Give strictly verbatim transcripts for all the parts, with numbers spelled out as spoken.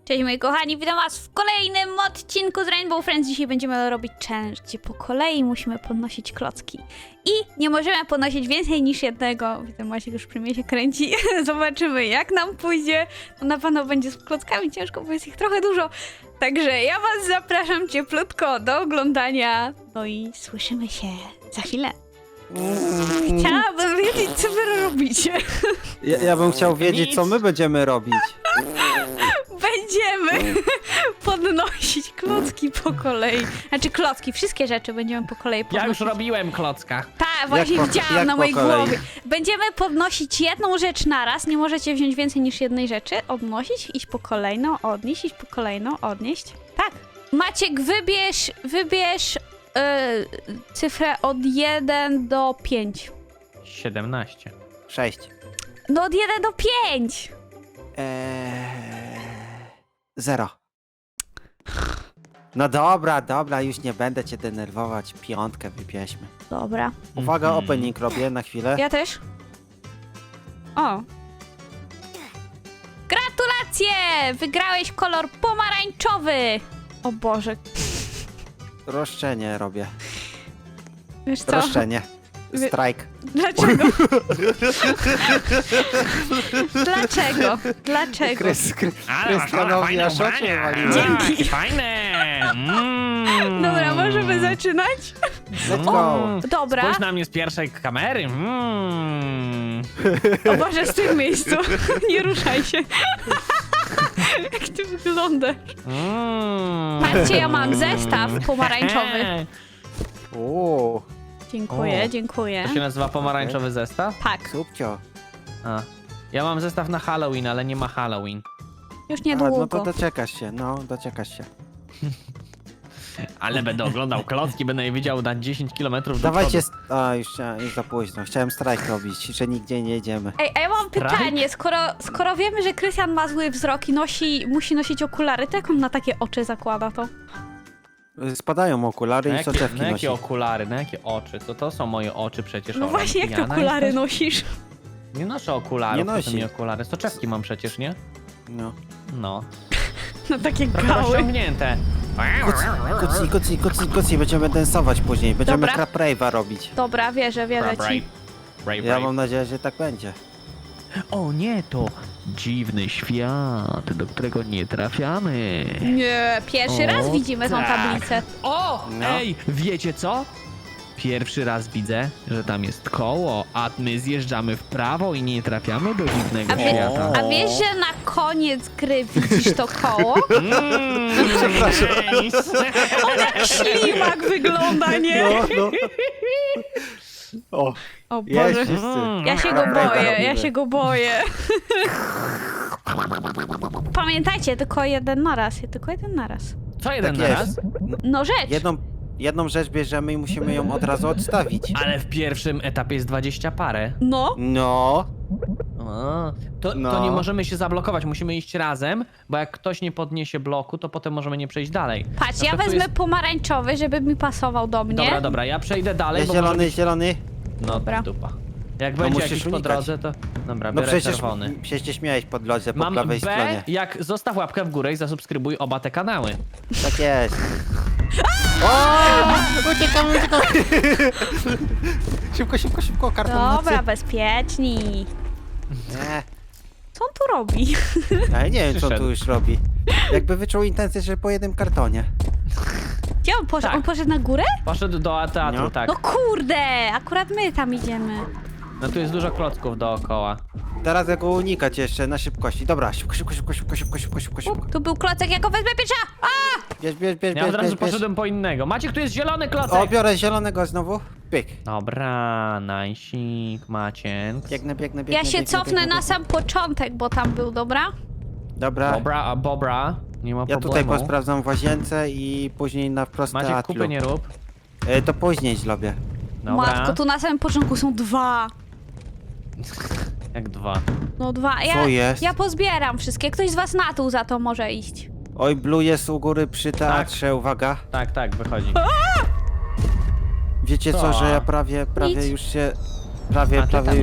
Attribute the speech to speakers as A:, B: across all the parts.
A: Cześć moi kochani, witam was w kolejnym odcinku z Rainbow Friends. Dzisiaj będziemy robić challenge, gdzie po kolei musimy podnosić klocki. I nie możemy podnosić więcej niż jednego. Widzę, Maciek już przy mnie się kręci. Zobaczymy jak nam pójdzie. No na pewno będzie z klockami ciężko, bo jest ich trochę dużo. Także ja was zapraszam cieplutko do oglądania. No i słyszymy się za chwilę. Chciałabym wiedzieć, co wy robicie.
B: Ja, ja bym chciał wiedzieć,
C: Nic.
B: co my będziemy robić.
A: Będziemy podnosić klocki po kolei. Znaczy klocki, wszystkie rzeczy będziemy po kolei podnosić.
C: Ja już robiłem klocka.
A: Tak, właśnie
B: po-
A: widziałam
B: jak
A: na
B: po
A: mojej
B: kolei?
A: głowie. Będziemy podnosić jedną rzecz naraz. Nie możecie wziąć więcej niż jednej rzeczy. Odnosić, iść po kolejną, odnieść, iść po kolejną, odnieść. Tak. Maciek, wybierz, wybierz yy, cyfrę od jeden do pięciu.
C: siedemnaście.
B: Sześć.
A: No od jeden do pięciu.
B: Eee... Zero. No dobra, dobra, już nie będę cię denerwować. Piątkę wybierzmy.
A: Dobra.
B: Uwaga,
C: Mhm.
B: opening robię na chwilę.
A: Ja też. O. Gratulacje! Wygrałeś kolor pomarańczowy! O Boże.
B: Roszczenie robię.
A: Wiesz co?
B: Roszczenie.
A: Wy-
B: Strajk.
A: Dlaczego? Dlaczego? Dlaczego?
B: Krys, kry,
C: Ale masz
B: Krystianowi
C: fajne
B: aż oczy
C: ubrania.
B: waliły.
A: Dzięki.
C: Fajne. Mm.
A: Dobra, możemy zaczynać?
B: Let's go.
C: Mm.
A: Dobra.
C: Spójrz na mnie z pierwszej kamery. Mm.
A: O Boże, z tym miejscu. Nie ruszaj się. Jak ty wyglądasz?
C: Mm.
A: Patrzcie, ja mam zestaw pomarańczowy.
B: Uuu,
A: Dziękuję,
C: O.
A: dziękuję.
C: To się nazywa pomarańczowy zestaw?
A: Tak,
B: subcio.
C: A. Ja mam zestaw na Halloween, ale nie ma Halloween.
A: już
B: A, no
A: niedługo.
B: to doczekasz się, no, doczekasz się.
C: Ale będę oglądał klocki, będę je widział na dziesięć kilometrów do
B: Dawajcie,
C: przodu.
B: st- a już, chcia- już za późno. Chciałem strajk robić, że nigdzie nie jedziemy.
A: Ej, a ja mam
C: Strajk?
A: pytanie, skoro, skoro wiemy, że Krystian ma zły wzrok i nosi, musi nosić okulary, to jak on na takie oczy zakłada to?
B: Spadają okulary
C: Na
B: i
C: jakie,
B: soczewki
C: na
B: nosi.
C: jakie okulary, na jakie oczy? To to są moje oczy przecież.
A: No
C: Ola.
A: właśnie, jak te
C: Pijana
A: okulary
C: jesteś?
A: nosisz?
C: Nie noszę okularów,
B: Nie
C: nie
B: nosi.
C: nosi. mi okulary. Soczewki mam przecież, nie?
B: No.
C: No.
A: No takie
C: Trochę
A: gały.
C: rozciągnięte.
B: Kucnij, kucnij, kucnij, kucnij, będziemy dansować później, będziemy
A: Dobra.
B: crap rave'a robić.
A: Dobra, wierzę, wierzę
C: Brave,
A: ci.
C: brave,
B: Ja
C: brave.
B: mam nadzieję, że tak będzie.
C: O nie, to dziwny świat, do którego nie trafiamy.
A: Nie, pierwszy
C: O,
A: raz widzimy tą
C: tak.
A: tablicę.
C: O,
B: No.
C: ej, wiecie co? Pierwszy raz widzę, że tam jest koło, a my zjeżdżamy w prawo i nie trafiamy do dziwnego
A: A, wie,
C: świata.
A: a wiesz, że na koniec gry widzisz to koło?
C: Mm,
B: Przepraszam.
C: nice.
A: On jak ślimak wygląda, nie?
B: No, no. O,
A: O
B: jest
A: Boże.
B: wszyscy.
A: Ja się go
B: Crap rave'a
A: boję, ja
B: robimy.
A: się go boję. Pamiętajcie, tylko jeden naraz, tylko jeden naraz.
C: Co jeden
B: Tak
C: na
B: jest.
C: raz?
A: No rzecz.
B: Jedną, jedną rzecz bierzemy i musimy ją od razu odstawić.
C: Ale w pierwszym etapie jest dwadzieścia parę.
A: No.
B: No,
C: A, to,
B: No.
C: to nie możemy się zablokować, musimy iść razem, bo jak ktoś nie podniesie bloku, to potem możemy nie przejść dalej.
A: Patrz,
C: Na
A: ja
C: przykład tu
A: wezmę
C: jest-
A: pomarańczowy, żeby mi pasował do mnie.
C: Dobra, dobra, ja przejdę dalej,
B: jest
C: bo może
B: zielony,
C: być...
B: zielony.
C: No
A: Dobra.
C: dupa. Jak
B: To
C: będzie
B: musisz
C: jakiś po
B: unikać.
C: drodze, to... Dobra,
B: No
C: biorę
B: przecież,
C: czerwony.
B: przecież śmiałeś po drodze, po
C: Mam
B: prawej
C: B,
B: stronie.
C: jak zostaw łapkę w górę i zasubskrybuj oba te kanały.
B: Tak jest. O! Uciekam, uciekam. Szybko, szybko, szybko, karton
A: Dobra,
B: nocy.
A: bezpieczni.
B: Nie,
A: Co on tu robi?
B: ale nie wiem, co on
C: Przyszedł.
B: tu już robi. Jakby wyczuł intencję, że po jednym kartonie.
A: Gdzie on poszedł?
C: Tak.
A: On poszedł na górę?
C: Poszedł do teatru,
B: No.
C: tak.
A: No kurde, akurat my tam idziemy.
C: No tu jest dużo klocków dookoła.
B: Teraz jak go unikać jeszcze na szybkości. Dobra, szybko, szybko, szybko, szybko, szybko, szybko, szybko, szybko.
A: Tu był klocek, jak go wezmę pierwsza! A!
B: Bierz, bierz, bierz,
C: Ja
B: bierz,
C: od razu
B: bierz, bierz.
C: poszedłem po innego. Maciek, tu jest zielony
B: O,
C: klocek!
B: biorę zielonego znowu. Pyk.
C: Dobra, najsik, Maciek.
B: Biegnę, biegnę, biegnę.
A: Ja się
B: biegnę,
A: cofnę
B: biegnę,
A: na
B: biegnę.
A: sam początek, bo tam był, dobra?
B: Dobra,
C: Bobra, a Bobra, nie ma
B: ja
C: problemu.
B: tutaj posprawdzam w łazience i później na wprost
C: Maciek,
B: teatru.
C: kupy nie rób.
B: E, to później zrobię.
C: Dobra.
A: Matko, tu na samym początku są dwa.
C: Jak dwa.
A: No dwa. Ja,
B: Co jest?
A: ja pozbieram wszystkie. Ktoś z was na dół za to może iść.
B: Oj, Blue jest u góry przy teatrze, uwaga.
C: Tak, tak, wychodzi.
B: Wiecie co,
C: Co?
B: że ja prawie, prawie
A: Nic.
B: już się... Prawie,
C: A ty
B: prawie
C: tam
B: już
C: jesteś.
B: z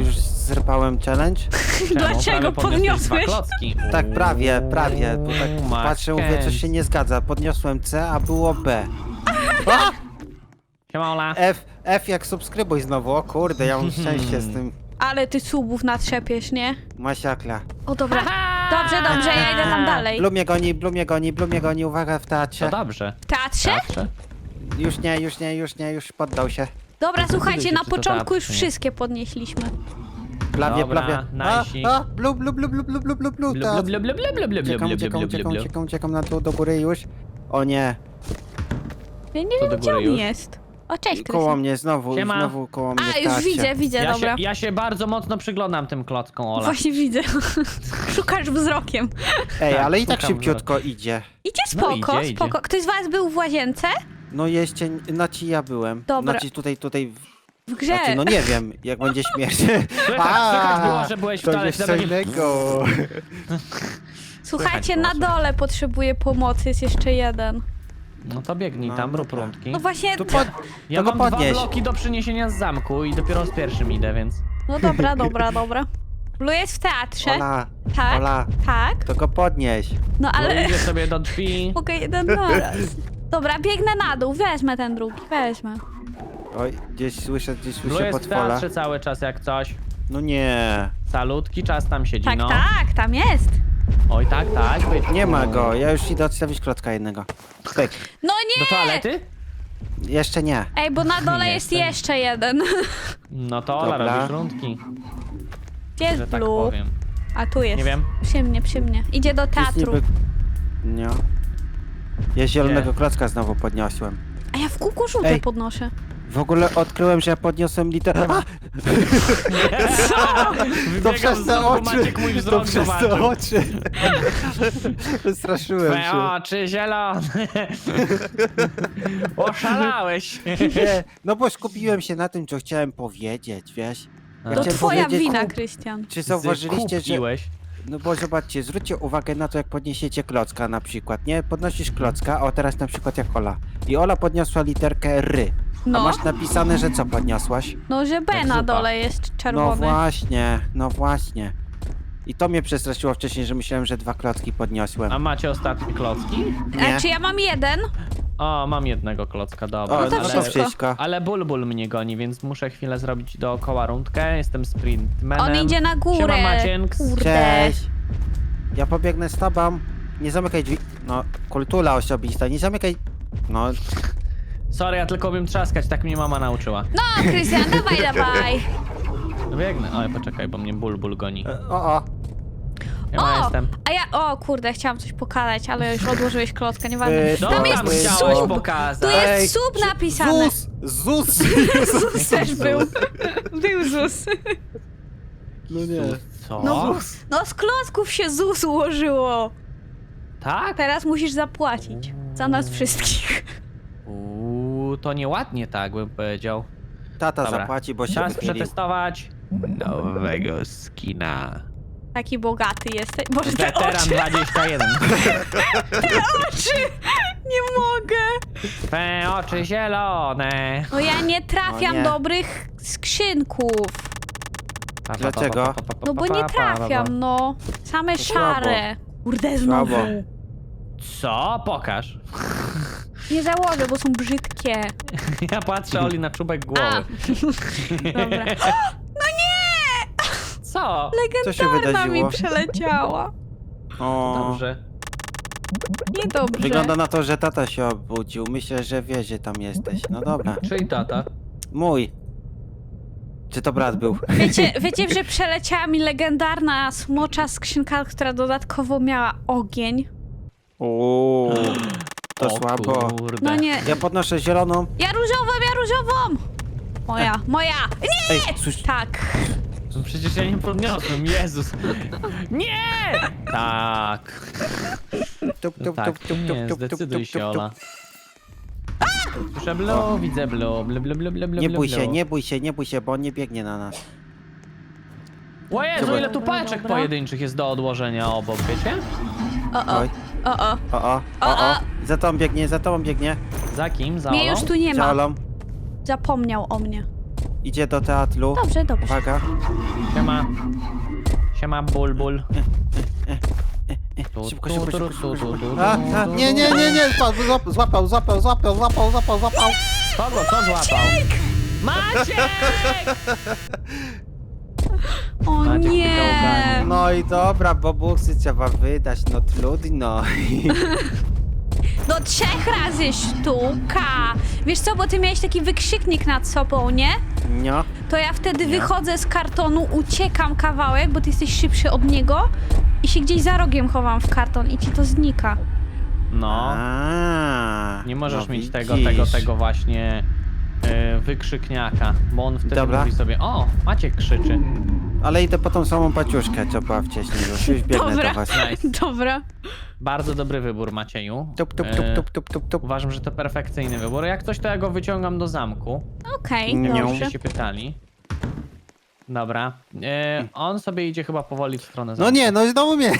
B: zerpałem challenge?
C: Czemu?
A: Dlaczego
C: Prawie podniosłeś
A: podniosłeś?
C: dwa klocki.
B: Tak, prawie, prawie. Bo tak
C: Uuu,
B: patrzę, mówię,
C: Mackens.
B: coś się nie zgadza. Podniosłem C, a było B. A!
C: Siema, Ola.
B: F, F jak subskrybuj znowu. O kurde, ja mam szczęście z tym.
A: Ale ty subów natrzepiesz, nie?
B: Masiakla.
A: O dobra. Dobrze, dobrze, ja idę tam dalej.
B: Blue mnie goni, Blue mnie goni, Blue mnie goni. Uwaga w
C: To
B: teatrze.
C: dobrze.
A: Teatrze?
C: Dobrze.
B: Już nie, już nie, już nie, już poddał się.
A: Dobra, słuchajcie,
C: się,
A: na
C: czy to
A: początku już
C: teatr, czy nie?
A: wszystkie podnieśliśmy.
B: Prawie,
C: Dobra,
B: prawie.
C: najsik.
B: A, a, Blue, Blue, Blue, Blue, Blue, Blue, Blue, Blue,
C: Blu,
B: teatr.
C: blu, blu, blu, blu, blu, blu,
B: Uciekam,
C: blu,
B: uciekam,
C: blu,
B: uciekam,
C: blu, blu.
B: uciekam, uciekam na dół, do góry już. O nie,
A: Ja nie
C: To
A: wiem,
C: do
A: gdzie
C: góry
A: on
C: już?
A: jest. O, cześć,
B: koło
A: Krystian.
B: mnie znowu,
C: Siema.
B: znowu koło mnie
A: A,
B: w
A: już
B: teatrze.
A: widzę, widzę,
C: Ja się,
A: dobra.
C: ja się bardzo mocno przyglądam tym klockom, Ola.
A: Właśnie widzę. Szukasz wzrokiem.
B: Ej,
C: Tak,
B: ale i tak
C: szukam
B: szybciutko idzie.
A: Idzie
C: No
A: spoko,
C: idzie, idzie.
A: spoko. Ktoś z was był w łazience?
B: No jeszcze, znaczy ja byłem.
A: Dobra.
B: Znaczy tutaj, tutaj,
A: W grze.
B: znaczy no nie wiem, jak będzie śmierć.
C: Słychać, słychać było, że byłeś w
B: to
C: toalecie.
B: jest
C: dlatego
B: co
C: nie-
B: innego.
A: Słuchajcie,
B: Słychać
A: na
B: było,
A: dole potrzebuję pomocy, jest jeszcze jeden.
C: No to biegnij
B: No,
C: tam, rób
B: dobra.
C: rundki.
A: No właśnie,
B: Tu pod...
C: Ja
B: to go
C: mam dwa
B: podnieś.
C: bloki do przyniesienia z zamku i dopiero z pierwszym idę, więc...
A: no dobra, dobra, dobra. Blue jest w teatrze.
B: Ola,
A: Tak,
B: Ola,
A: tak.
B: to go podnieś.
A: No
C: Ale...
A: ale
C: Idę sobie do drzwi.
A: mogę jeden naraz. Dobra, biegnę na dół, wezmę ten drugi, wezmę.
B: Oj, gdzieś słyszę, gdzieś
C: Blue
B: słyszę
C: jest w
B: potwola.
C: teatrze cały czas jak coś.
B: No nie,
C: Salutki, czas tam siedzi,
A: Tak,
C: no.
A: tak, tam jest.
C: Oj, tak, tak. Byt.
B: nie ma go. Ja już idę odstawić klocka jednego. Pyk.
A: No
C: Do
A: nie!
C: toalety?
B: Jeszcze nie.
A: Ej, bo na dole
C: Nie
A: jest
C: chcę.
A: jeszcze jeden.
C: No to Ola,
B: Dobra.
C: robisz rundki,
A: Gdzie jest
C: że tak
A: Blue?
C: powiem.
A: A tu jest.
C: Nie wiem.
A: Przy mnie, przy mnie. Idzie do
B: Jest
A: teatru.
B: niby... Nie. Ja zielonego klocka znowu podniosłem.
A: A ja w kółko żółte
B: Ej.
A: podnoszę.
B: W ogóle odkryłem, że ja podniosłem literę. A! To
C: Wybiegam
B: przez
C: z
B: te
C: domu,
B: oczy!
C: Maciek mój
B: To
C: wzrok
B: przez te
C: zobaczył.
B: oczy! Wystraszyłem
C: Twe
B: się.
C: oczy zielone. Oszalałeś.
B: Nie, no bo skupiłem się na tym, co chciałem powiedzieć, wiesz? Ja
A: To
B: chciałem
A: twoja
B: powiedzieć,
A: wina,
B: kup-
A: Krystian.
B: Czy zauważyliście, że...
C: Kupiłeś.
B: No bo zobaczcie, zwróćcie uwagę na to, jak podniesiecie klocka na przykład, nie? Podnosisz klocka, o teraz na przykład jak Ola. I Ola podniosła literkę R. A
A: No.
B: masz napisane, że co podniosłaś?
A: No, że B
C: Jak
A: na
C: zupa.
A: dole jest
B: No
A: czerwony.
B: właśnie, no właśnie. I to mnie przestraszyło wcześniej, że myślałem, że dwa klocki podniosłem.
C: A macie ostatnie klocki?
B: Nie.
A: A czy ja mam jeden?
C: O, mam jednego klocka, dobra.
B: O,
A: No to
B: no to
A: wszystko.
B: wszystko.
C: Ale Bulbul mnie goni, więc muszę chwilę zrobić dookoła rundkę. Jestem sprintmanem.
A: On idzie na górę.
C: Siema, Macienk.
A: Kurde.
B: Cześć! Ja pobiegnę z tobą. Nie zamykaj drzwi. No, kultura osobista, nie zamykaj... No,
C: Sorry, ja tylko umiem trzaskać, tak mnie mama nauczyła.
A: No, Krystian, dawaj, dawaj.
C: No biegnę. Oj, poczekaj, bo mnie Bulbul goni.
B: o, o.
C: Ja
A: O,
C: jestem.
A: a ja, o kurde, chciałam coś pokazać, ale już odłożyłeś klocka, nieważne.
B: Yy,
C: No,
A: Tam
B: tam
A: jest
B: jest
C: chciałeś
A: sub!
C: pokazać.
A: Tu
B: Ej,
A: jest sub napisane.
B: Zus! Zus!
A: Zus też był. Był Zus.
B: No nie.
C: Co?
A: No, no z klocków się Zus ułożyło.
C: Tak?
A: Teraz musisz zapłacić. Za nas wszystkich.
C: Uuu, to nieładnie tak bym powiedział.
B: Tata
C: Dobra.
B: zapłaci, bo się
C: Czas
B: wychylił.
C: przetestować nowego skina.
A: Taki bogaty jesteś. Boże, te
C: Weteran
A: oczy,
C: dwadzieścia jeden.
A: oczy! Nie mogę.
C: Twe oczy zielone.
A: No ja nie trafiam
B: O nie.
A: dobrych skrzynków.
C: Pa, pa, pa,
B: Dlaczego?
C: pa, pa, pa, pa,
A: No bo
C: pa,
A: nie
C: pa, pa, pa.
A: trafiam, no. Same
B: To słabo.
A: szare. Kurde, znowu.
B: Słabo.
C: Co? Pokaż.
A: Nie założę, bo są brzydkie.
C: Ja patrzę Oli na czubek
A: A,
C: głowy.
A: dobra. No nie!
C: Co?
B: Co się
A: Legendarna mi
B: wydarzyło?
A: przeleciała.
B: O,
C: Dobrze.
A: Niedobrze.
B: wygląda na to, że tata się obudził. Myślę, że wie, że tam jesteś. No dobra.
C: Czyli tata.
B: Mój. Czy to brat był?
A: Wiecie, wiecie, że przeleciała mi legendarna smocza skrzynka, która dodatkowo miała ogień?
B: Uuu, to
C: O
B: słabo.
C: Kurde.
A: No nie.
B: Ja podnoszę zieloną.
A: Ja różową, ja różową! Moja, moja! Nie!
B: Ej, słysz...
A: Tak.
C: No przecież ja nie podniosłem, Jezus. Nie! Tak.
B: Tup,
C: No
B: tup,
C: tak,
B: tup, tup,
C: nie,
B: tup, tup, tup,
C: zdecyduj
B: tup,
C: się,
B: tup,
C: Ola.
B: tup.
C: Słyszę blue, widzę blue, blue, blue, blue, blue, blue,
B: Nie bój
C: blue.
B: się, nie bój się, nie bój się, bo on nie biegnie na nas.
C: O Jezu,
B: Dobra.
C: ile tu
A: Dobra,
C: paczek
A: dobra.
C: pojedynczych jest do odłożenia obok, wiecie?
A: O, o,
B: Oj,
A: o, o.
B: o, o, o, o. Za tobą biegnie, za tobą biegnie.
C: Za kim? Za
A: Mnie
C: Olą?
A: już tu nie
B: Za
A: ma.
B: Olą.
A: Zapomniał o mnie.
B: Idzie do teatru.
A: Dobrze, dobrze.
B: Uwaga.
C: Siema. Siema, bulbul. Tu,
B: Szybko,
C: tu,
B: szybko,
C: tu,
B: szybko,
C: tu,
B: szybko.
C: tu, tu,
B: A,
C: tu,
B: a,
C: tu,
B: nie,
C: tu.
B: nie, nie, nie, złapał, złapał, złapał, złapał, złapał, złapał, złapał.
C: Kogo? Co złapał? Maciek!
A: O
C: Maciek
A: nie!
C: wyciągany.
B: No i dobra, bobuksy trzeba wydać, no trudno.
A: Do trzech razy sztuka. Wiesz co, bo ty miałeś taki wykrzyknik nad sobą, nie?
B: No.
A: To ja wtedy
B: Nie.
A: wychodzę z kartonu, uciekam kawałek, bo ty jesteś szybszy od niego i się gdzieś za rogiem chowam w karton i ci to znika.
C: No.
B: A,
C: Nie możesz
B: no
C: mieć tego,
B: widzisz.
C: tego, tego właśnie e, wykrzykniaka, bo on wtedy
B: Dobra.
C: mówi sobie, o, Maciek krzyczy.
B: Ale idę po tą samą paciuszkę, co była wcześniej już. Już biegnę
A: Dobra.
B: do was.
C: Nice.
A: Dobra.
C: Bardzo dobry wybór, Macieju.
B: Tup, tup,
C: E,
B: tup, tup, tup, tup, tup.
C: Uważam, że to perfekcyjny wybór. Jak coś, to ja go wyciągam do zamku.
A: Okej,
B: Nie.
A: dobrze.
C: Jakbyście się pytali. Dobra. E, on sobie idzie chyba powoli w stronę zamku.
B: No nie, no znowu mnie.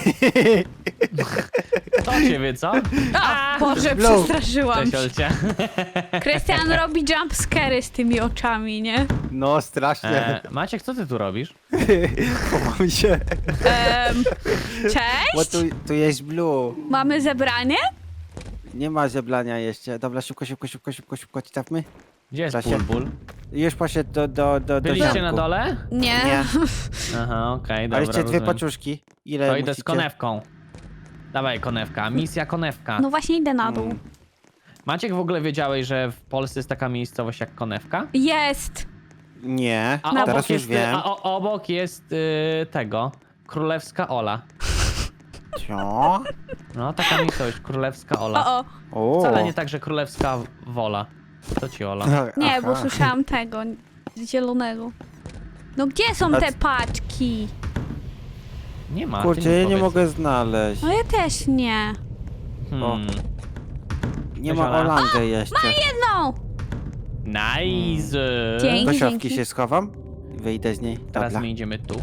C: To ciebie, co?
A: A, Boże,
B: Blow.
A: przestraszyłam
C: Cześć,
A: się.
C: Olcia.
A: Krystian robi jumpscary z tymi oczami, nie?
B: No strasznie.
C: E, Maciek, co ty tu robisz?
B: Chowam się.
A: Em,
B: Bo
A: cześć?
B: tu, tu jest blue.
A: Mamy zebranie?
B: Nie ma zeblania jeszcze. Dobra, szybko, szybko, szybko, szybko, szybko, czytamy.
C: Gdzie jest
B: Czasie.
C: Bulbul?
B: Już poszedł do, do, do, do
C: Byliście
B: zamku.
C: na dole?
A: Nie.
B: Nie.
C: Aha, okej, dobra,
B: Ale jeszcze dwie
C: rozumiem.
B: paczuszki. Ile
C: To idę
B: musicie?
C: z konewką. Dawaj, konewka. Misja konewka.
A: No właśnie idę na dół.
B: Mm.
C: Maciek, w ogóle wiedziałeś, że w Polsce jest taka miejscowość jak konewka?
A: Jest.
B: Nie,
C: A
A: Na
B: teraz
C: obok
B: już
C: jest,
B: wiem.
C: a o, obok jest y, tego. Królewska Ola.
B: Co?
C: No, taka miejscowość, Królewska Ola.
A: O, o.
B: O.
C: Wcale nie tak, że Królewska Wola. To ci Ola.
A: Nie, bo
B: Aha.
A: słyszałam tego, zielonego. No gdzie są
B: A
A: te
B: c-
A: paczki?
C: Nie ma. ty
B: Kurczę, ja nie
C: powiedz.
B: mogę znaleźć.
A: No ja też nie.
C: Hmm.
B: Nie
C: Cześć,
B: ma
C: Ola.
B: Olangę jeszcze.
A: Jedną!
C: Nice!
A: Dzięki.
B: Do siatki
A: dzięki.
B: się schowam. Wyjdę z niej.
C: Teraz
B: Dobra.
C: my idziemy tu.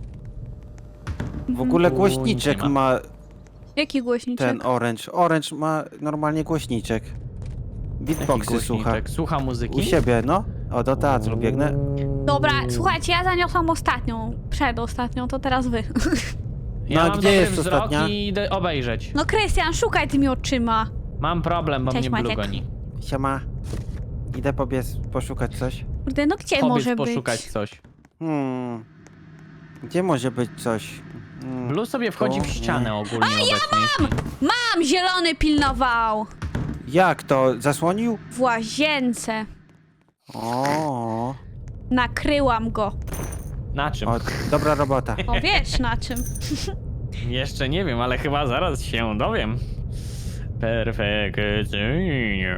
B: W ogóle
C: Tu
B: głośniczek
C: nic nie
B: ma
A: Jaki głośniczek?
B: ten Orange. Orange ma normalnie głośniczek.
C: Jaki
B: Beatboxy słucha.
C: głośniczek? Słucha muzyki?
B: U siebie, no. O, do teatru biegnę.
A: Dobra, słuchajcie, ja zaniosłam ostatnią, przedostatnią, to teraz wy.
C: Ja
B: No, a
C: mam
B: gdzie
C: dobry
B: jest
C: wzrok
B: ostatnia?
C: i idę obejrzeć.
A: No Krystian, szukaj tymi oczyma.
C: Mam problem, bo
A: Cześć,
C: mnie Blue
A: Maciek.
C: goni.
B: Siema. Idę pobiec, poszukać coś.
A: Kurde, no gdzie
C: Powiedz
A: może
C: poszukać
A: być?
C: coś.
B: Hmm. Gdzie może być coś? Hmm.
C: Blue sobie wchodzi w
B: Tu?
C: ścianę ogólnie obecnie.
A: Mam, zielony pilnował!
B: Jak to? Zasłonił?
A: W łazience.
B: O,
A: Nakryłam go.
C: Na czym?
B: o, dobra robota.
A: O, wiesz na czym.
C: Jeszcze nie wiem, ale chyba zaraz się dowiem. Perfekcyjnie.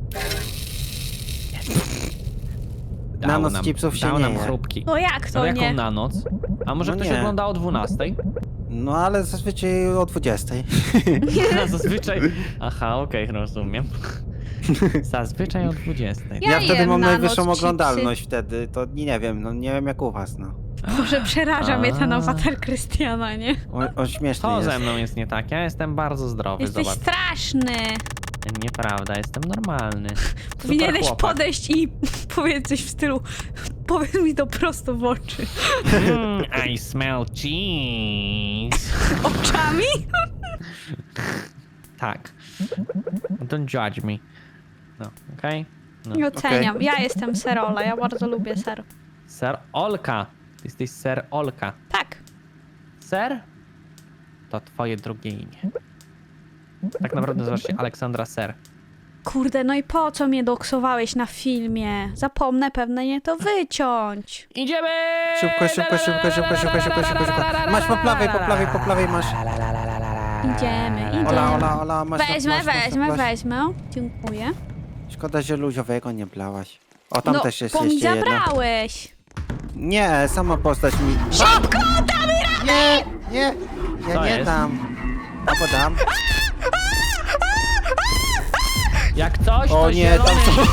C: Dał
B: Na noc
C: nam-
B: chipsów się
C: dał
B: nie
C: nam
B: je.
C: chrupki.
A: No jak
C: No
A: to
C: jaką
A: nie?
C: na noc? A może
B: No
C: ktoś
B: nie.
C: ogląda o dwunastej?
B: No ale zazwyczaj o dwudziestej.
C: A zazwyczaj... Aha, okej, rozumiem. Zazwyczaj o dwudziestej.
A: Ja
B: Ja wtedy
A: jem
B: mam
A: na
B: najwyższą
A: noc
B: oglądalność wtedy, to nie wiem, no nie wiem jak u was, no.
A: Boże, przeraża mnie ten
C: A.
A: awatar Krystiana, nie?
B: On, on śmieszny
C: To
B: jest.
C: ze mną jest nie tak, ja jestem bardzo zdrowy,
A: Jesteś
C: zobacz.
A: straszny.
C: Nieprawda, jestem normalny. Super
A: Powinieneś
C: chłopak.
A: podejść i powiedzieć coś w stylu powiedz mi to prosto w oczy.
C: Mm, I smell cheese.
A: Oczami?
C: Tak. Don't judge me. No, okej? No.
A: Nie oceniam. Ja jestem Serola, ja bardzo lubię ser.
C: Ser Olka. Jesteś Ser Olka.
A: Tak.
C: Ser? To twoje drugie imię. Tak naprawdę nazywasz się Aleksandra Ser.
A: Kurde, no i po co mnie doksowałeś na filmie? Zapomnę pewnie nie to wyciąć.
C: Idziemy!
B: Szybko, szybko, szybko, szybko, szybko, szybko, szybko, szybko. Masz po prawej, po prawej, po prawej masz.
A: Idziemy, idziemy.
B: Ola, Ola, Ola, masz
A: Wezmę,
B: masz, masz,
A: wezmę,
B: masz.
A: wezmę. Dziękuję.
B: Szkoda, że luziowego nie blałaś. O, tam
A: no,
B: też jest
A: bo mi
B: jeszcze jedno.
A: zabrałeś.
B: Nie, sama postać mi...
A: Szybko, damy radę!
B: Nie, nie, ja
C: Co
B: nie
C: jest?
B: dam. Albo dam.
C: Jak coś, to
B: O nie,
C: zielony.
B: tam są...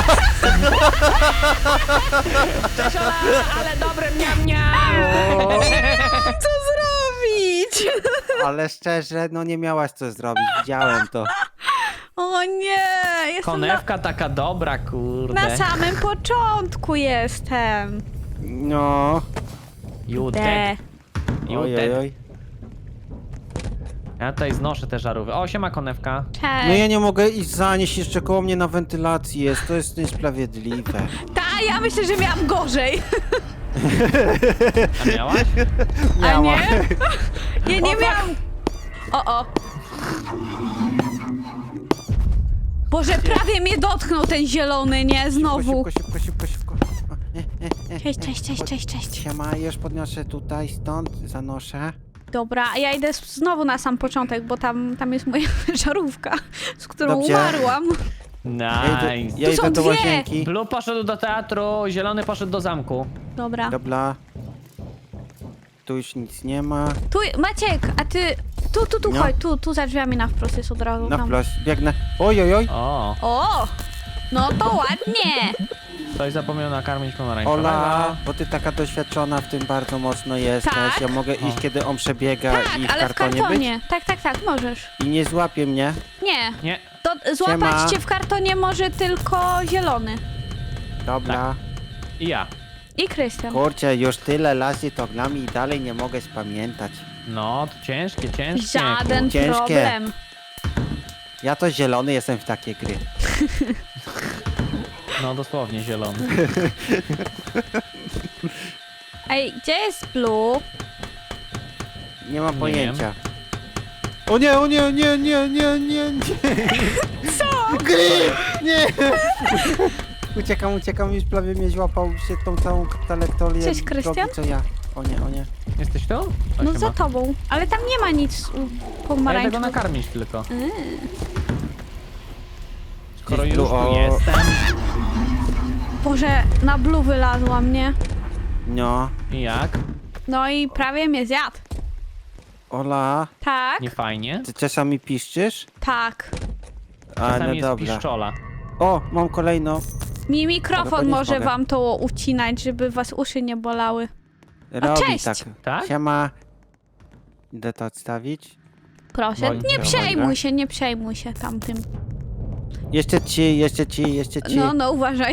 C: Cześć, Ola, ale dobre miam miam.
A: Co zrobić?
B: Ale szczerze, no nie miałaś co zrobić, widziałem to.
A: O nie, jestem na,
C: Konewka taka dobra, kurde.
A: na samym początku jestem.
B: No.
C: You
A: De.
C: dead. You
B: Oj, oj,
C: dead.
B: oj.
C: Ja tutaj znoszę te żarówy. O, siema konewka.
A: Cześć.
B: No ja nie mogę iść zanieść, jeszcze koło mnie na wentylacji jest, to jest niesprawiedliwe.
A: Ta, ja myślę, że miałam gorzej.
C: A miałaś?
A: A
B: Miała.
A: nie? Nie, nie miałam... O, o. Boże, prawie mnie dotknął ten zielony, nie? Znowu.
B: Szybko, szybko, szybko, szybko. O, e, e, e,
A: Cześć,
B: e.
A: cześć, cześć, cześć, cześć.
B: Siema, już podniosę tutaj, stąd, zanoszę.
A: Dobra, a ja idę znowu na sam początek, bo tam, tam jest moja żarówka, z którą
B: Dobrze.
A: umarłam.
B: Ja idę,
C: Nice.
B: ja
A: Tu są
B: idę do
A: dwie.
B: łazienki.
C: Blue poszedł do teatru, zielony poszedł do zamku.
A: Dobra.
B: Dobra. Tu już nic nie ma.
A: Tu, Maciek, a ty... Tu, tu, tu,
B: No.
A: chodź, tu, tu za drzwiami na wprost jest od razu.
B: Na
A: tam.
B: wprost, biegnę. Oj, oj, oj.
C: O,
A: O! No to ładnie!
C: ktoś zapomniał nakarmić pomarańczowego.
B: Ola, bo ty taka doświadczona w tym bardzo mocno jesteś.
A: Tak.
B: Ja mogę iść,
C: O.
B: kiedy on przebiega
A: Tak,
B: i w
A: ale w
B: kartonie,
A: kartonie. Tak, tak, tak, możesz.
B: być. I nie złapie mnie.
A: Nie,
C: Nie,
A: to złapać
B: Siema.
A: cię w kartonie może tylko zielony.
B: Dobra.
C: i ja.
A: I Krystian.
B: Kurczę, już tyle razy to gram i dalej nie mogę spamiętać.
C: No, to ciężkie, ciężkie.
A: Żaden
B: Ciężkie.
A: problem.
B: Ja to zielony jestem w takie gry.
C: No, dosłownie zielony.
A: Ej, gdzie jest Blue?
B: Nie mam
C: Nie
B: pojęcia. O nie, o nie, nie, nie, nie, nie, nie. Co? Gry! Nie! Uciekam, uciekam, już prawie mnie złapał się tą całą trajektorię
A: Cześć,
B: drogi,
A: Krystian?
B: co ja. O nie, o nie.
C: Jesteś tu? O,
A: No
C: siema.
A: za tobą. Ale tam nie ma nic u-
C: Ja idę go
A: pomarańczowego.
C: nakarmić tylko.
A: Mm.
C: Skoro
B: Gdzieś
C: już
B: tu,
C: tu
B: o.
C: jestem.
A: Boże, na Blue wylazła mnie.
B: No.
C: I jak?
A: No i prawie mnie zjadł.
B: Ola,
A: Tak,
C: Nie fajnie.
B: ty czasami piszczysz?
A: tak.
B: A,
C: Czasami
B: no
C: jest
B: dobra.
C: piszczola.
B: O, mam kolejną.
A: Mi
B: Ale
A: mikrofon
B: podnieść
A: może
B: mogę.
A: wam to ucinać, żeby was uszy nie bolały.
B: Robi
A: cześć.
B: tak.
C: Tak?
B: Siema. Idę to odstawić.
A: Proszę,
C: Bądź
A: nie
C: to,
A: przejmuj
B: dobra.
A: się, nie przejmuj się tamtym.
B: Jeszcze ci, jeszcze ci, jeszcze ci.
A: No, no, uważaj.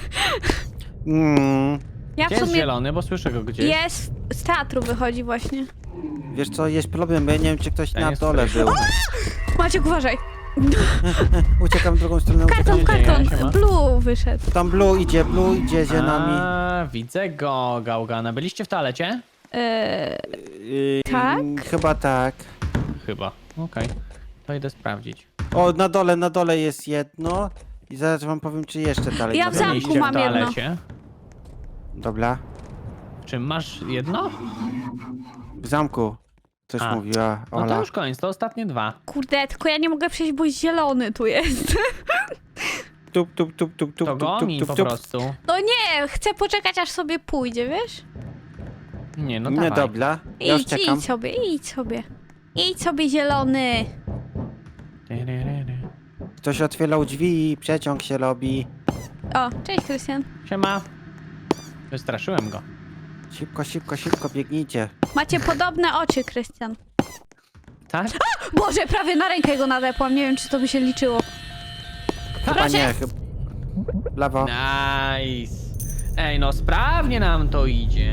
B: Mm,
A: Ja w
C: Gdzie jest
A: sumie...
C: zielony, bo słyszę go gdzieś.
A: Jest, z teatru wychodzi właśnie.
B: wiesz co, jest problem, bo ja nie wiem, czy ktoś
C: Ja
B: na
C: nie
B: dole
C: słyszę.
B: był.
A: Maciek, uważaj.
B: Uciekam w drugą stronę,
A: Karton,
B: uciekam.
C: dzieje?
A: karton.
C: Siema.
A: Blue wyszedł.
B: Tam Blue idzie, Blue idzie za nami.
C: A, widzę go, Gałgana. Byliście w toalecie?
A: Eee,
B: Yy,
A: tak?
B: Chyba tak.
C: Chyba. Okej. To idę sprawdzić.
B: O, na dole, na dole jest jedno. I zaraz wam powiem, czy jeszcze dalej.
A: Ja
B: na
A: w
B: dole
A: zamku
C: Byliście
B: idzie.
A: mam
C: w
A: jedno.
C: toalecie?
B: Dobra.
C: Czy masz jedno?
B: W zamku. Coś
C: A.
B: mówiła
C: No to
B: Ola.
C: już koniec, to ostatnie dwa.
A: kurde, tylko ja nie mogę przejść, bo zielony tu jest.
B: Tup, tup, tup, tup, tup,
C: To
B: tup,
C: go
B: tup,
C: mi
B: tup,
C: po
B: tup.
C: prostu.
A: No nie, chcę poczekać, aż sobie pójdzie, wiesz?
C: Nie, no
B: Nie,
C: dawaj.
B: dobra. Ja już
A: Idź,
B: czekam.
A: idź sobie, idź sobie. Idź sobie, zielony.
C: Tyryryry.
B: Ktoś otwierał drzwi i przeciąg się robi.
A: O, cześć, Krystian.
C: Siema. Wystraszyłem go.
B: Szybko, szybko, szybko biegnijcie.
A: Macie podobne oczy, Krystian.
C: Tak?
A: Boże, prawie na rękę go nadepłam. Nie wiem, czy to by się liczyło.
B: Chyba
A: Proszę.
B: nie, chyba... Lewo.
C: Nice. Ej, no sprawnie nam to idzie.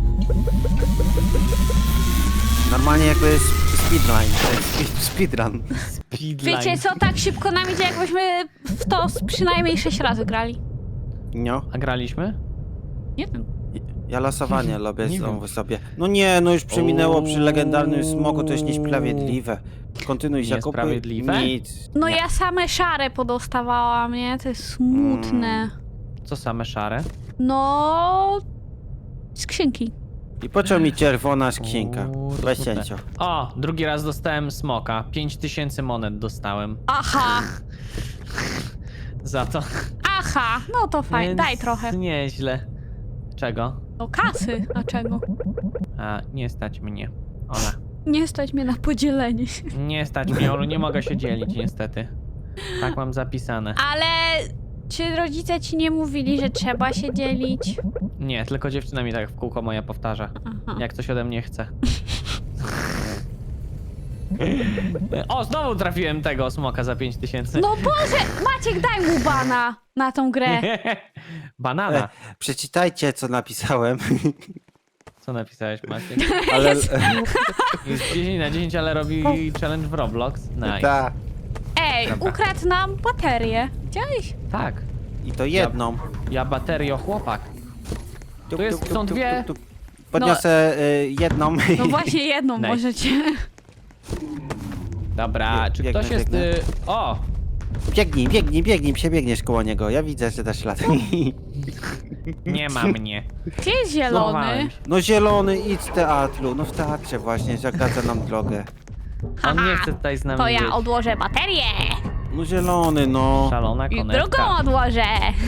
B: Normalnie jakby jest speedrun. To jest spe- speedrun.
C: Speedline.
A: Wiecie co, tak szybko nam idzie, jakbyśmy w to z przynajmniej sześć razy grali.
B: No.
C: A graliśmy?
A: Nie wiem.
B: Ja losowanie robię
C: Nie
B: znowu
C: wiem.
B: sobie. No nie, no już przeminęło przy
C: Ooo.
B: legendarnym smogu, to jest niesprawiedliwe. Kontynuuj zakupy.
C: Niesprawiedliwe?
B: Nic.
A: No
B: Nie.
A: ja same szare podostawałam, nie? To jest smutne.
C: Co same szare?
A: No... Skrzynki.
B: I po co mi czerwona skrzynka?
C: Uuu, to
B: Weź
C: smutne.
B: cięcio.
C: O, drugi raz dostałem smoka. Pięć tysięcy monet dostałem.
A: Aha,
C: Za to.
A: aha, no to fajnie,
C: Więc
A: daj trochę.
C: Nieźle. Czego?
A: No kasy, a czego?
C: A, nie stać mnie. Ola.
A: Nie stać mnie na podzielenie się.
C: Nie stać mnie, Olu, nie mogę się dzielić niestety. Tak mam zapisane.
A: Ale czy rodzice ci nie mówili, że trzeba się dzielić?
C: Nie, tylko dziewczyna mi tak w kółko moja powtarza.
A: Aha.
C: Jak coś ode mnie chce. O, znowu trafiłem tego smoka za pięć tysięcy.
A: No Boże, Maciek, daj mu bana na tą grę.
C: Banana.
B: E, przeczytajcie, co napisałem.
C: Co napisałeś, Maciek?
B: Ale...
C: Jest dziesięć na dziesięć, ale robi challenge w Roblox. Nice.
B: Ta.
A: Ej,
C: Dobra.
A: ukradł nam baterię. Widziałeś?
C: Tak.
B: I to jedną.
C: Ja baterio chłopak.
B: Tup,
C: Tu jest-
B: tup,
C: są
B: tup,
C: dwie.
B: tup, tup. Podniosę y, jedną.
A: No właśnie jedną
C: Nice.
A: możecie.
C: Dobra,
B: Bie-
C: czy
B: biegnę,
C: ktoś jest...
B: biegnę.
C: Y... O!
B: Biegnij, biegnij, biegnij, przebiegniesz koło niego. Ja widzę, że dasz ślad.
C: Nie ma mnie.
A: Gdzie jest zielony?
C: Złamałem się.
B: No zielony, idź z teatru. No w teatrze właśnie, zagradza nam drogę.
C: On nie
A: Haha,
C: chce tutaj z nami
A: To ja
C: być.
A: odłożę baterię.
B: No zielony, no.
C: Szalona
A: I
C: konewka.
A: drugą odłożę.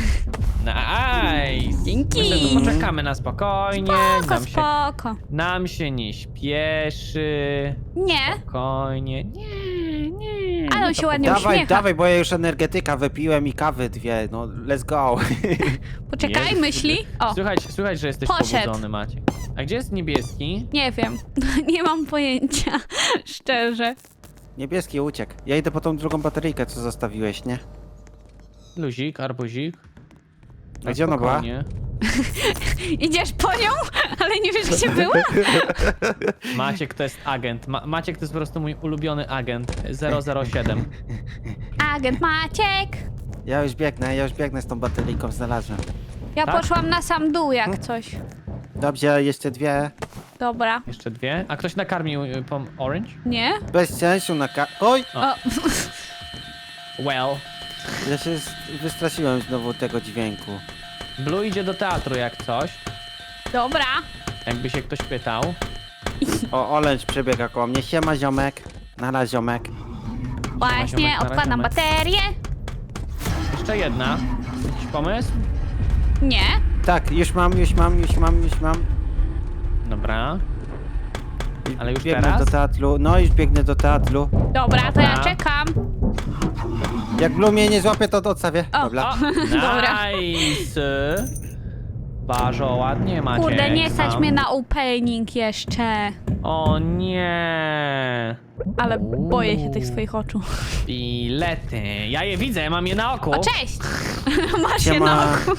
C: Nice!
A: Dzięki.
C: My sobie poczekamy na spokojnie.
A: Spoko,
C: nam, się,
A: spoko.
C: nam się nie śpieszy.
A: Nie,
C: Spokojnie. Nie, nie.
A: ale on się ładnie
B: Dawaj,
A: uśmiecha.
B: dawaj, bo ja już energetyka wypiłem i kawy dwie. No, let's go.
A: Poczekaj,
C: Jezu,
A: myśli. O,
C: Słuchaj, słuchaj, że jesteś
A: Poszedł.
C: pobudzony, Maciek. A gdzie jest niebieski?
A: nie wiem. Nie mam pojęcia. Szczerze.
B: Niebieski uciekł. Ja idę po tą drugą bateryjkę, co zostawiłeś, nie?
C: Luzik, arbuzik.
B: A gdzie ona była?
C: Spokojnie.
A: Idziesz po nią, ale nie wiesz, gdzie była?
C: Maciek to jest agent. Ma Maciek to jest po prostu mój ulubiony agent. zero zero siedem.
A: Agent Maciek.
B: Ja już biegnę, ja już biegnę z tą bateryjką, znalazłem.
A: Ja
C: Tak?
A: poszłam na sam dół jak coś.
B: Dobrze, jeszcze dwie.
A: Dobra.
C: Jeszcze dwie. A ktoś nakarmił y, pom orange?
A: Nie?
B: Bez sensu na ka... Oj!
A: O,
C: Well.
B: Ja się z- wystraszyłem znowu tego dźwięku.
C: Blue idzie do teatru jak coś.
A: dobra.
C: Jakby się ktoś pytał.
B: O, Orange przebiega koło mnie. Siema, ziomek. Nara, ziomek.
A: Właśnie,
C: ziomek, na
A: odkładam
C: razie,
A: baterię.
C: Jeszcze jedna. Jakiś pomysł?
A: Nie.
B: Tak, już mam, już mam, już mam, już mam.
C: Dobra. Ale już
B: biegnę
C: teraz?
B: do teatru. No, już biegnę do teatru.
A: Dobra, to ja
C: Dobra.
A: czekam.
B: Jak Blue mnie nie złapie, to odstawię.
A: O,
B: Dobra.
C: O,
A: Dobra.
C: nice. Bardzo ładnie macie.
A: Kurde, nie stać mnie na opening jeszcze.
C: O nie.
A: Ale boję się tych swoich oczu.
C: Bilety. Ja je widzę, mam je na oku.
A: O, cześć! Masz je
B: Siema.
A: na oku.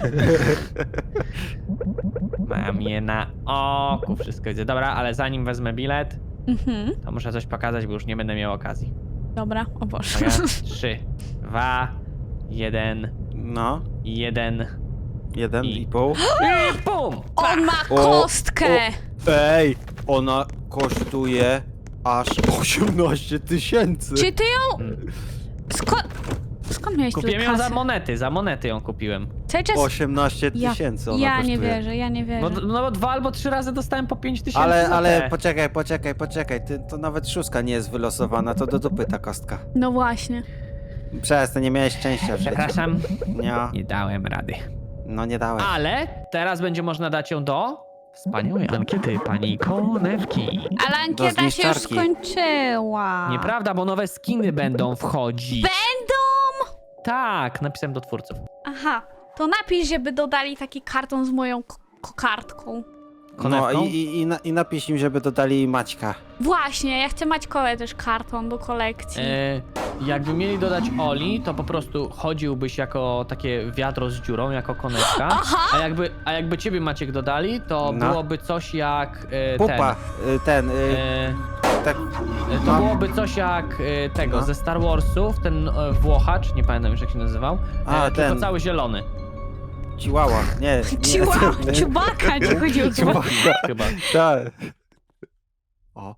C: Mam je na oku, wszystko widzę. Dobra, ale zanim wezmę bilet,
A: Mhm.
C: to muszę coś pokazać, bo już nie będę miał okazji.
A: Dobra, o Boże.
C: Uwaga. Trzy, dwa, jeden,
B: No,
C: jeden
B: jeden
C: I-
B: i pół.
C: i bum!
A: On ma
B: O,
A: kostkę!
B: o. Ej, ona kosztuje aż osiemnaście tysięcy.
A: Czy ty ją... Skąd... Skąd miałeś tyle
C: Kupiłem ją za
A: kasy?
C: monety, za monety ją kupiłem.
A: Cały czas...
B: osiemnaście
A: Ja,
B: tysięcy ona
A: ja
B: kosztuje.
A: nie wierzę, ja nie
C: No,
A: wierzę.
C: no bo dwa albo trzy razy dostałem po pięć tysięcy
B: Ale,
C: za
B: ale
C: te.
B: poczekaj, poczekaj, poczekaj. Ty, to nawet szóstka nie jest wylosowana, to do dupy ta kostka.
A: No właśnie.
B: Przestań, nie miałeś szczęścia w życiu.
C: Przepraszam,
B: Nie,
C: nie dałem rady.
B: no nie dałeś.
C: Ale teraz będzie można dać ją do wspaniałej ankiety pani Konewki.
A: Ale ankieta się już
B: zniszczarki.
A: skończyła.
C: Nieprawda, bo nowe skiny będą wchodzić.
A: Będą?
C: Tak, napisałem do twórców.
A: Aha, to napisz, żeby dodali taki karton z moją ko- kokardką.
B: No
C: Konewką?
B: i, i, i, na, i napisz im, żeby dodali Maćka.
A: Właśnie, ja chcę Maćkowe też karton do kolekcji.
C: E, jakby mieli dodać Oli, to po prostu chodziłbyś jako takie wiadro z dziurą, jako konewka.
A: Aha!
C: A jakby, a jakby ciebie Maciek dodali, to
B: No.
C: byłoby coś jak e,
B: Pupa,
C: ten.
B: y, ten, y,
C: E,
B: tak,
C: e, to
B: no.
C: byłoby coś jak e, tego,
B: No.
C: ze Star Warsów, ten e, Włochacz, nie pamiętam już jak się nazywał, e,
B: A,
C: tylko
B: ten.
C: cały zielony.
B: Chihuahua, nie, nie.
A: Chihuahua, Chewbacca, ci chodziło chyba.
B: Chihuahua,
C: Chyba.
B: tak. O,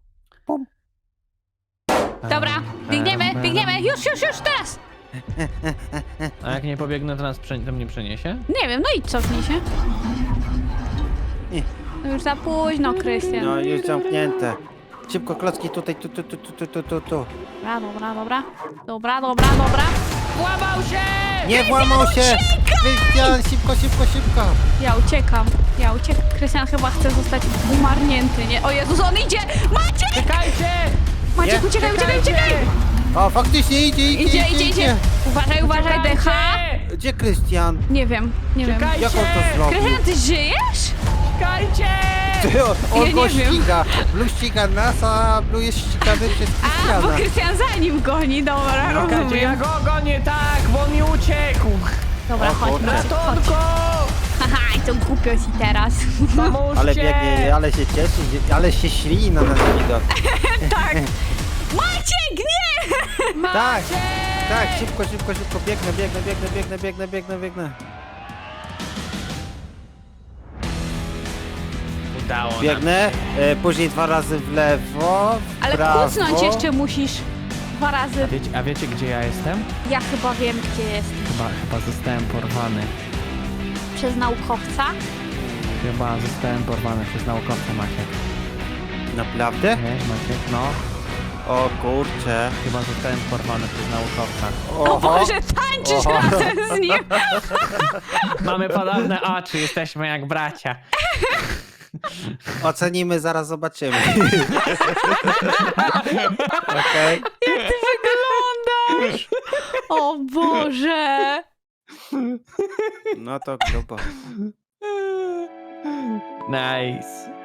A: Dobra, biegniemy, biegniemy, już, już, już, teraz!
C: A jak nie pobiegnę, to nas prze, to mnie przeniesie?
A: Nie wiem, no i cofnij się.
B: Nie.
A: No już za późno, Krystian.
B: no już zamknięte. Szybko, klocki tutaj, tu, tu, tu, tu, tu, tu, tu, tu.
A: Dobra, dobra, dobra. Dobra, dobra, dobra.
C: Włamał się!
B: Nie włamał się! Krystian, szybko, szybko, szybko!
A: Ja uciekam, ja uciekam. Krystian chyba chce zostać umarnięty, nie? O Jezus, on idzie! Maciek!
C: Czekajcie!
A: Maciek,
B: Nie,
A: uciekaj, uciekaj, uciekaj!
B: O, faktycznie idzie, idzie,
A: Idzie, idzie, idzie. Uważaj, uważaj, decha.
C: Czekajcie!
B: Gdzie Krystian?
A: Nie wiem, nie wiem.
C: Czekajcie!
B: Jak on to zrobił?
A: Krystian, ty żyjesz?
C: Czekajcie!
B: Ty, on on
A: Ja
B: go
A: nie wiem.
B: ściga. Blue ściga nas, a Blue jest ścigany przez
A: A, bo
B: Krystiana.
A: Krystian za nim goni, dobra,
C: Czekajcie, ja
A: rozumiem.
C: go gonię, tak, bo on mi uciekł.
A: Dobra,
B: O
A: chodź,
B: kurczę.
A: Maciek, chodź.
C: Ratunku!
A: Haha, i to głupio ci teraz.
C: Pomóżcie!
B: Ale biegnie, ale się cieszy, że- ale się ślini na nasz widok.
A: Tak. Maciek, nie!
B: Tak, tak, szybko, szybko, szybko, biegnę, biegnę, biegnę, biegnę, biegnę, biegnę, biegnę.
C: Udało nam
B: Biegnę, e, później dwa razy w lewo, w
A: Ale
B: prawo.
A: kucnąć jeszcze musisz dwa
C: A
A: razy.
C: wiecie, a wiecie gdzie ja jestem?
A: Ja chyba wiem, gdzie jest.
C: Chyba, chyba zostałem porwany.
A: Przez naukowca.
C: Chyba zostałem porwany przez naukowca, Maciek.
B: Naprawdę?
C: Wiesz, Maciek? No,
B: O kurcze.
C: chyba zostałem porwany przez naukowca.
A: O Boże, tańczysz
B: Oho.
A: razem z nim.
C: Mamy podobne oczy, jesteśmy jak bracia.
B: Ocenimy, zaraz zobaczymy. Okej.
A: Jak ty wyglądasz? O Boże.
B: No to grubo.
C: Nice.